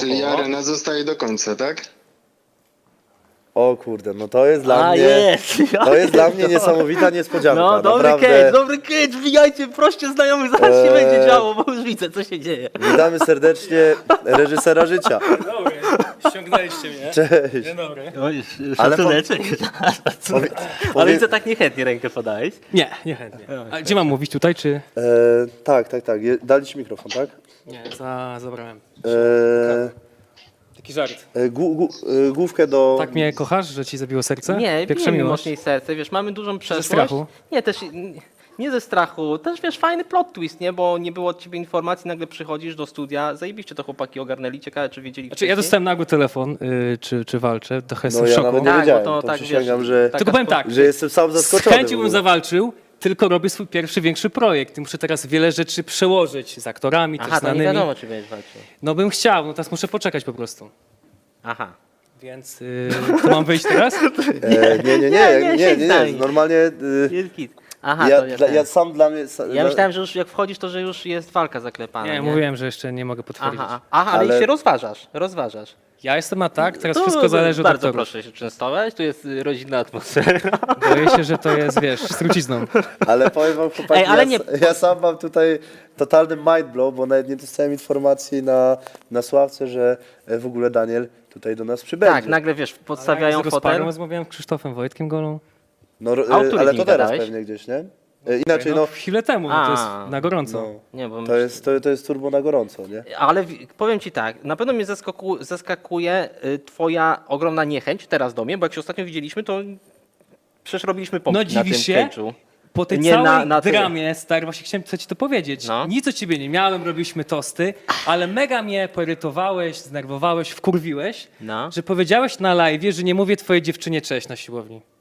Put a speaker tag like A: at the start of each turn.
A: Czyli arena zostaje do końca, tak?
B: O kurde, no to jest dla mnie...
C: jest!
B: To jest dla mnie niesamowita niespodzianka.
C: No,
B: Naprawdę.
C: dobry catch, wbijajcie, proście znajomych, zaraz się będzie działo, bo już widzę, co się dzieje.
B: Witamy serdecznie reżysera życia.
D: Dobry, ściągnęliście mnie.
B: Cześć.
D: Dzień dobry.
C: Oj,
B: Ale
C: szacuneczek. Ale widzę, tak niechętnie rękę podałeś.
D: Nie, niechętnie. A gdzie mam mówić, tutaj czy?
B: Tak. Dali ci mikrofon, tak?
D: Nie, zabrałem. Taki żart.
B: Główkę do...
D: Tak mnie kochasz, że ci zabiło serce?
C: Nie,
D: Pierwsza
C: bijemy
D: miłość.
C: mocniej serce, wiesz, mamy dużą przeszłość.
D: strachu?
C: Nie, też nie ze strachu, też wiesz, fajny plot twist, nie, bo nie było od ciebie informacji, nagle przychodzisz do studia, zajebiście to chłopaki ogarnęli, ciekawe czy wiedzieli
D: Znaczy, ja
C: wcześniej.
D: dostałem nagły telefon, czy walczę, trochę jestem
B: No
D: w
B: ja
D: szoku.
B: nawet nie
C: Tak,
B: wiedziałem,
C: bo to
B: to
C: tak,
B: przysięgam,
C: wiesz,
B: że,
D: Tylko powiem tak,
B: że jestem sam
D: z
B: zaskoczony.
D: chęcią
B: w
D: bym
B: ogóle.
D: zawalczył, tylko robię swój pierwszy, większy projekt i muszę teraz wiele rzeczy przełożyć z aktorami, też
C: Aha, to nie
D: znanymi.
C: wiadomo, czy będziesz walczył.
D: No bym chciał, no teraz muszę poczekać po prostu.
C: Aha.
D: Więc to mam wyjść teraz?
B: Nie.
C: daj.
B: Normalnie
C: Jest git. Aha,
B: ja,
C: to ja,
B: ja sam dla mnie...
C: ja myślałem, że już jak wchodzisz, to że już jest walka zaklepana.
D: Nie, mówiłem, że jeszcze nie mogę potwierdzić.
C: Aha, ale
B: Ale-
C: się rozważasz.
D: Ja jestem na tak, teraz
C: To
D: wszystko zależy od
C: bardzo
D: aktorów.
C: proszę się częstować, tu jest rodzinna atmosfera.
D: Boję się, że to jest, wiesz, z trucizną.
B: Ale powiem wam, chłopaki,
C: Ej, ale
B: ja,
C: nie-
B: ja sam mam tutaj totalny mind blow, bo nawet nie dostałem informacji na Sławce, że w ogóle Daniel tutaj do nas przybędzie.
C: Tak, nagle wiesz, podstawiają
D: Z Rozparą
C: fotel.
D: rozmawiałem z Krzysztofem Wojtkiem Golą.
B: No,
C: A o której
B: ale
C: dni
B: to teraz
C: gadałeś?
B: pewnie gdzieś, nie? Inaczej,
D: No, chwilę temu, no, to jest na gorąco.
B: no,
C: Nie, bo
B: to jest turbo na gorąco, nie?
C: Ale powiem ci tak, na pewno mnie zaskakuje twoja ogromna niechęć teraz do mnie, bo jak się ostatnio widzieliśmy, to przecież robiliśmy pompki
D: No
C: na tym
D: dziwisz się?
C: cage'u.
D: Po tej
C: Nie,
D: całej
C: na tym.
D: dramie, stary, właśnie chciałem ci to powiedzieć.
C: No.
D: Nic o ciebie nie miałem, robiliśmy tosty, ale mega mnie poirytowałeś, znerwowałeś, wkurwiłeś,
C: No.
D: że powiedziałeś na live, że nie mówię twojej dziewczynie cześć na siłowni.